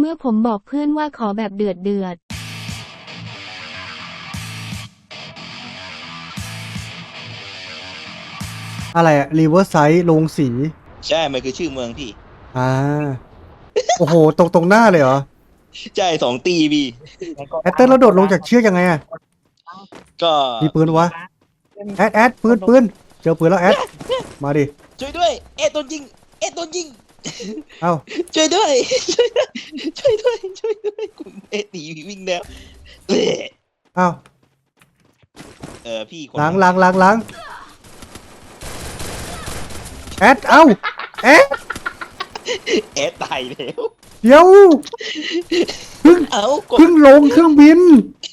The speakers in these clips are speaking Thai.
มื่อผมบอกเพื่อนว่าขอแบบเดือดอะไรอะรีเวอร์ไซด์ลงสีใช่มันคือชื่อเมืองพี่อ่าโอ้โหตรงหน้าเลยเหรอใช่2 ตีพี่แอตเตอร์เราโดดลงจากเชือกยังไงอะก็มีปืนวะแอดปืนเจอปืนแล้วแอดมาดิช่วยด้วยโดนยิงโดนยิงเอ้าช่วยด้วยช่วยด้วยช่วยด้วยคุณหนีวิ่งแล้วเอ้ยเอ้าพี่คนล้างแอดเอ้าแอดตายแล้วเดี๋ยวกดเพิ่งลงเครื่องบิน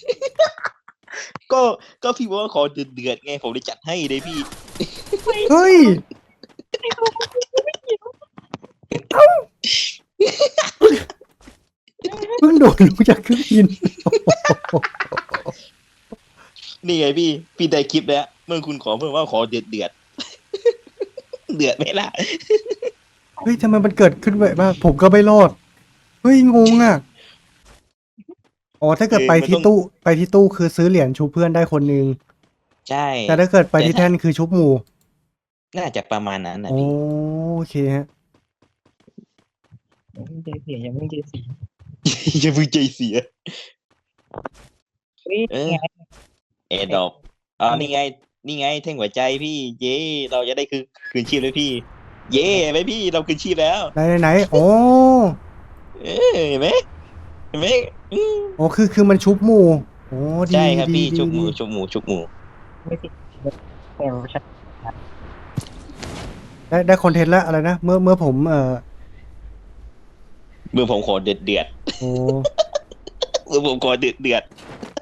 ก็พี่บอกว่าขอเดือดไงผมเลยจัดให้เลยพี่เฮ้ยเพิ่งโดดลงจากเครื่องบินนี่ไงพี่ได้คลิปแล้วเมื่อคุณขอเพิ่มว่าขอเดือดเดือดไหมล่ะเฮ้ยทำไมมันเกิดขึ้นแบบว่าผมก็ไม่รอดเฮ้ยงงอ่ะอ๋อถ้าเกิดไปที่ตู้คือซื้อเหรียญชูเพื่อนได้คนนึงใช่แต่ถ้าเกิดไปที่แท่นคือชุบหมู่น่าจะประมาณนั้นนะโอพี่เคฮะยังไม่เจอเสียยังไม่เจอเสียอย่าเพิ่งใจเสียเฮ้ยเออไงดอกนี่ไงแท่งหัวใจพี่ เย้เราจะได้คืนชีพเลยพี่ เย้ไหมพี่เราคืนชีพแล้วไหนโอ้เห็นไหมอืมโอ้คือมันชุบหมู่โอ้ดีใช่ครับพี่ดีชุบหมูดีชุบหมูไม่ติดแต่ว่าฉันได้คอนเทนต์แล้วอะไรนะเมื่อผมเมื่อผมขอเดือดโอ้เมื่อผมขอเดือด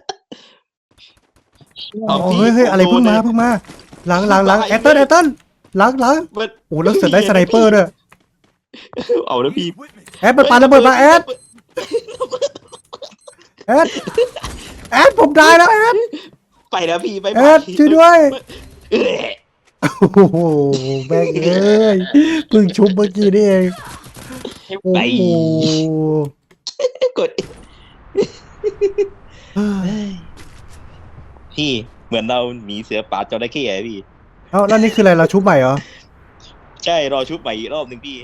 เอาโอ้พี่เฮ้ยอะไรโอ้เพิ่งมาหลังแอตเติ้ลหลังมันโอ้แล้วเสร็จได้สไนเปอร์ด้วยเอาแล้วพี่แอดมันปาระเบิดมาแอดผมได้แล้วแอดไปแล้วพี่ไปแอดช่วยด้วยเอ้ยโอ้โหแม่งเอ้ยเพิ่งชุบเมื่อกี้นี่เองโอ้โหกดพี่เหมือนเราหนีเสือป่าจระเข้อะพี่เอ้าแล้วนี่คืออะไรเราชุบใหม่เหรอใช่รอชุบใหม่อีกรอบหนึ่งพี่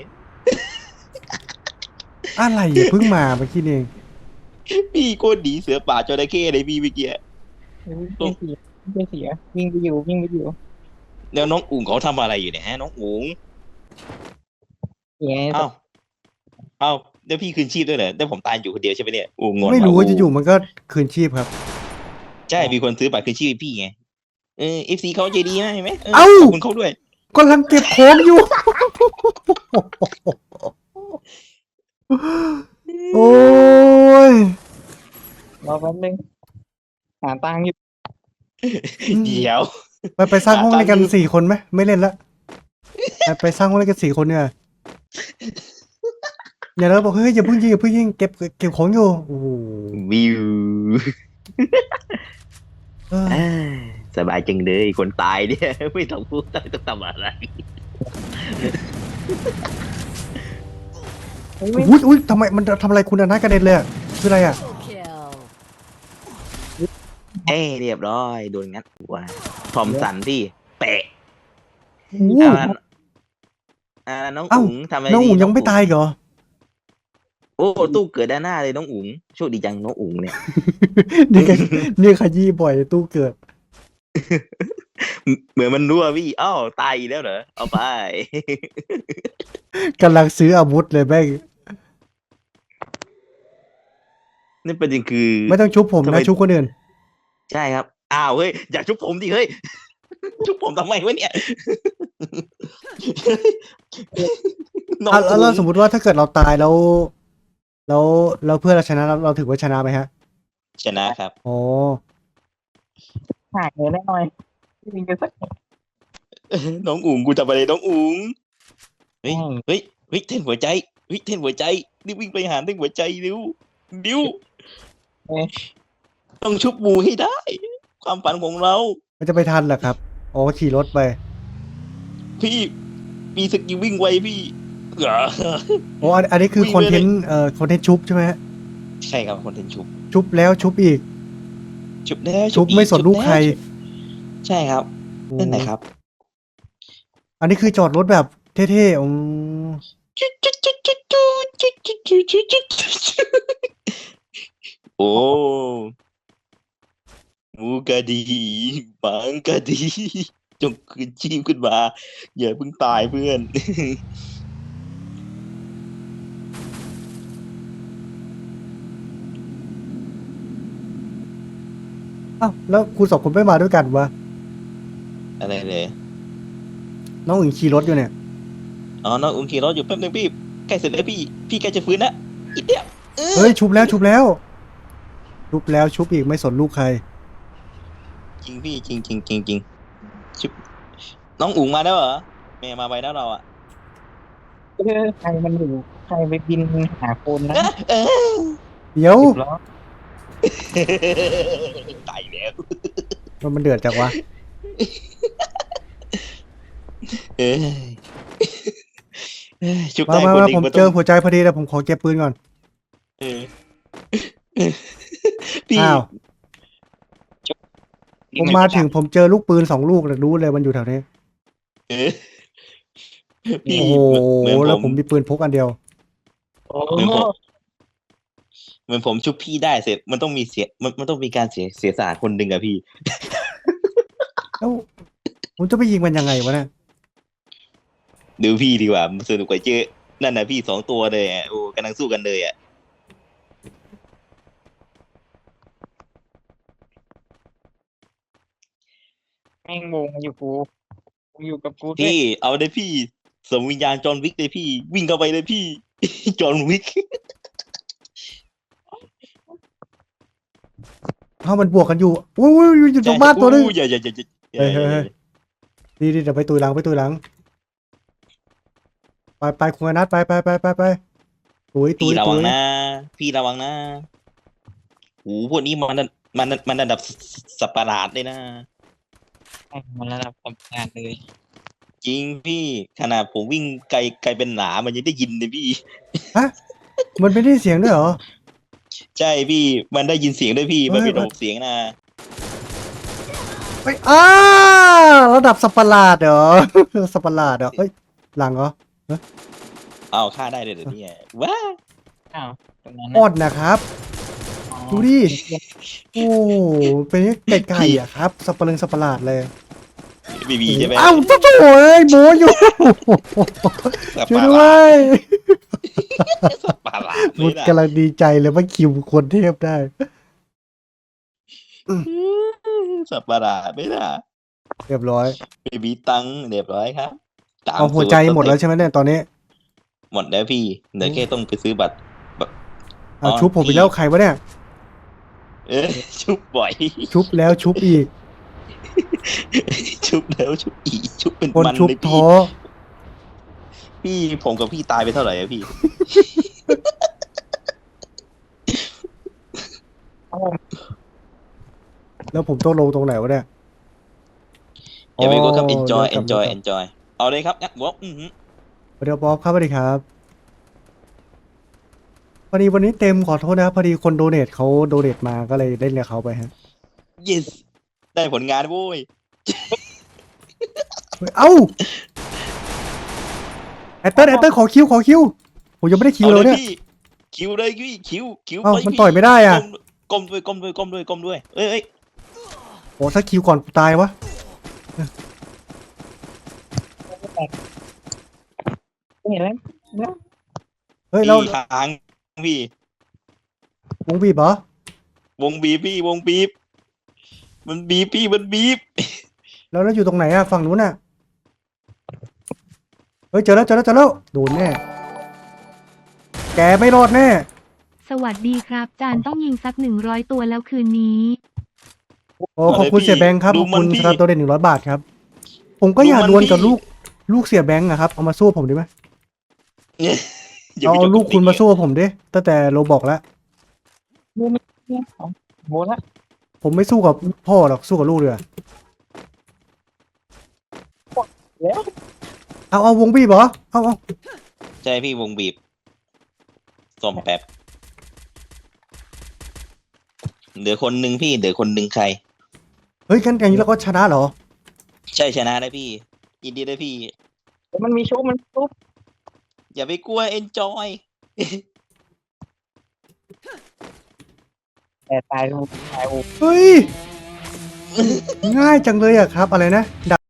อะไรอ่ะเพิ่งมาเมื่อกี้นี่เองพี่โคตรหนีเสือป่าจระเข้เลยพี่เมื่อกี้เจอเสียวิ่งไปอยู่แล้วน้องอุ๋งเขาทำอะไรอยู่เนี่ยฮะน้องอุ๋งเสียเอ้าเดี๋ยวพี่คืนชีพด้วยเหรอเดี๋ยวผมตายอยู่คนเดียวใช่ไหมเนี่ยอุ๋งงอนไม่รู้ว่าว่ะจะอยู่มันก็คืนชีพครับใช่มีคนซื้อบัตรคืนชีพให้พี่ไงFC เขาใจดีมากเห็นไหมขเอ้าอบคุณเขาด้วยกำลังเก็บของอยู่ โอ้ยรอแป๊บนึงหาตังค์อยู่เดี๋ยวไปสร้างห้องเล่นกันหาตังค์อยู่ 4 คนไหมไม่เล่นละไปสร้างห้องเล่นกัน4 คนเนี่ยอย่าแล้วบอกเฮ้ยอย่าเพิ่งยิงเก็บของอยู่โอ้โหวิวเออสบายจังเลยคนตายเนี่ย ไม่ต้องพูดต้องทำอะไรอุ้ยทำไมมันทำอะไรคุณอนัทกระเด็นเลยอะคืออะไรอ่ะเรียบร้อยโดนงัดหัวทอมสันพี่เปะโอ้โหน้องเอ้าอุ๋งทำอะไรน้องดีอุ๋งยังไม่ตายเหรอโอ้ตู้เกิดด้านหน้าเลยน้องอุ๋งโชคดีจังน้องอุ๋งเนี่ยนี่ขยี้บ่อยตู้เกิดเหมือนมันรั่วพี่อ้าวตายอีกแล้วเหรอเอาไปกำลังซื้ออาวุธเลยแม่งนี่ประเด็นคือไม่ต้องชุบผมทำไมนะชุบคนอื่นใช่ครับอ้าวเฮ้ยอยากชุบผมดิเฮ้ย ชุบผมทำไมวะเนี่ย น้องแล้วอุ๋งสมมติว่าถ้าเกิดเราตายแล้วเพื่อนเราชนะเราถือว่าชนะไหมฮะชนะครับอ๋อหาเงินได้หน่อยวิ่งไปสักน้องอุ๋งกูทำอะไรน้องอุ๋งเฮ้ยอืมเฮ้ยเท่นหัวใจเท่นหัวใจรีบวิ่งไปหาเท่นหัวใจเร็วต้องชุบหมูให้ได้ ความฝันของเรามันจะไปทันเหรอครับอ๋อขี่รถไปพี่มีสกิลวิ่งไวพี่โอ้อันนี้คือวิ่งคอนไปเทเลยนต์คอนเทนต์ชุบใช่ไหมฮะใช่ครับคอนเทนต์ชุบชุบแล้วชุบอีกชุบแล้วชุบอีไม่สนลูกใครชุบใช่ครับนั่นแหละครับอันนี้คือจอดรถแบบเท่ๆโอ้หมูกะดีหมังกะดี จงคืนชีพขึ้นมา อย่าเพิ่งตายเพื่อนอ้าวแล้วคุณสองคนไม่มาด้วยกันวะอะไรเลยน้องอึ่งขี่รถอยู่เนี่ยอ๋อน้องอุ้งขี่รถอยู่แป๊บนึงพี่ใกล้เสร็จแล้วพี่ใกล้จะฟื้นแล้วอีกเดียวเฮ้ยชุบแล้วชุบแล้ว ชุบแล้วชุบอีกไม่สนลูกใครจริงพี่จริงชุบน้องอุ๋งมาแล้วเหรอแม่มาไปแล้วเราอ่ะใครมันอยู่ใครไปบินหาคนนะเออเดี๋ยวสิบล้อตายแล้วมันเดือดจังวะเอ้ยชุบมาได้มาคนมาหนึ่งผมมันเจต้อองหัวใจพอดีแล้วผมขอเก็บปืนก่อนเออพี่อ้าว ผมมาถึงผมเจอลูกปืน2 ลูกเลยรู้เลยมันอยู่แถวนี้เออพี่โอ้โหเหมือนแล้วผมมีปืนพกอันเดียวโอ้เหมือนผมชุบพี่ได้เสร็จมันต้องมีเสียมันต้องมีการเสียสละคนหนึ่งอะพี่แล้วผมจะไปยิงมันยังไงวะเนี่ยดูพี่ดีกว่ามันสนุกกว่าเจอนั่นนะพี่2 ตัวเลยอ่ะโอ้กำลังสู้กันเลยอ่ะแม่งวงอยู่กูอยู่กับกูด้วยพี่เอาเลยพี่สมวิญญาณจอห์นวิกเลยพี่ วิ่งเข้าไปเลยพี่ จอห์นวิกเอ้ามันบวกกันอยู่อุ้ยอยู่ตรงบ้านตัวนึงอย่าเฮ้ย ดีเดี๋ยวไปตุยหลังไปตุยหลัง ไปคุณอนัทไปตุยพี่ระวังนะพี่ระวังนะโอ้พวกนี้มันระดับสัตว์ประหลาดเลยนะมันระดับทำงานเลยจริงพี่ขนาดผมวิ่งไกลเป็นหนามันยังได้ยินเลยพี่ฮะมันไม่ได้เสียงด้วยเหรอใช่พี่มันได้ยินเสียงด้วยพี่มันเป็นระบบเสียงนะไประดับสัตว์ประหลาดเหรอ สัตว์ประหลาดเหรอเอ้ยหลังเหรอเอาฆ่าได้เลยเหรอเนี่ยว้าอ้าวตรงนั้นอดนะครับ ดูดิ โอ้เป็นไก่อะครับสัตว์ประหลาดเลยบีบีใช่ไหมอ้าวโถ่เอ้ยโมอยู่สัตว์ช่ปวยระหด้วลาดยสัตว์ประหลาดเลมุยดนะกำลังดีใจเลยว่าคิวคนเทพได้สัตว์ประหลาดไม่น่ะเรียบร้อยบีบีตังค์เรียบร้อยครับตมเอาหัวใจสูตรหมดแล้วใช่ไหมเนี่ยตอนนี้หมดแล้วพี่เดี๋ยวแค่ต้องไปซื้อบัตรเอาชุบผมไปแล้วใครวะเนี่ยเออชุบบ่อยชุบแล้วชุบอีกชุบแล้วชุบอีกชุบเป็นคนมันชุบเลยท้อพี่ผมกับพี่ตายไปเท่าไหร่อะพี่แล้วผมต้องลงตรงไหนวะเนี่ยอย่าไปกดครับอ๋อ enjoy เดี๋ยวกลับ enjoy enjoy เอาเลยครับงั้นบอกเดี๋ยวป๊อปครับสวัสดีครับพอดีวันนี้เต็มขอโทษนะครับพอดีคนโดเนทเขาโดเนทมาก็เลยได้เรียกเขาไปฮะ yes ได้ผลงานโว้ยเฮ้ยเอ้าแอตเตอร์ขอคิวผมยังไม่ได้คิวเอาเลยเลยเนี่ยพี่คิวเลยพี่คิวเอ้าไปมันพี่ต่อยไม่ได้อะก้มด้วยเอ้ยโอ้ถ้าคิวก่อนกูตายวะเห็นแล้วเฮ้ยเราพี่ค้างพี่วงบีบเหรอวงบีบพี่วงบีบมันบีบพี่มันบีบแล้วอยู่ตรงไหนอะฝั่งนู้นอะเฮ้ยเจอแล้วโดนแน่แกไม่รอดแน่สวัสดีครับ จานต้องยิงสัก100 ตัวแล้วคืนนี้โอ้ขอบคุณเสียแบงค์ครับขอบคุณสำหรับตัวเด่น100 บาทครับ ผมก็อยากดวลกับลูกเสียแบงค์อะครับเอามาสู้ผมดีไหมอย่าไปเอาจบลูกคุณมาบสู้ผมดิตั้งแต่โรบอกแล้วเนี่ยของโบละผมไม่สู้กับพ่อหรอกสู้กับลูกเลยแล้วเอาวงบีบเหรอเอาใช่พี่วงบีบส่มแป๊บเหลือคนหนึ่งพี่เหลือคนหนึ่งใครเฮ้ยกันอย่างนี้เราก็ชนะเหรอใช่ชนะได้พี่ยินดีด้วยพี่มันมีชุบมันชุบอย่าไปกลัว enjoy แต่ตายตายเฮ้ย ง่ายจังเลยอะครับ อะไรนะ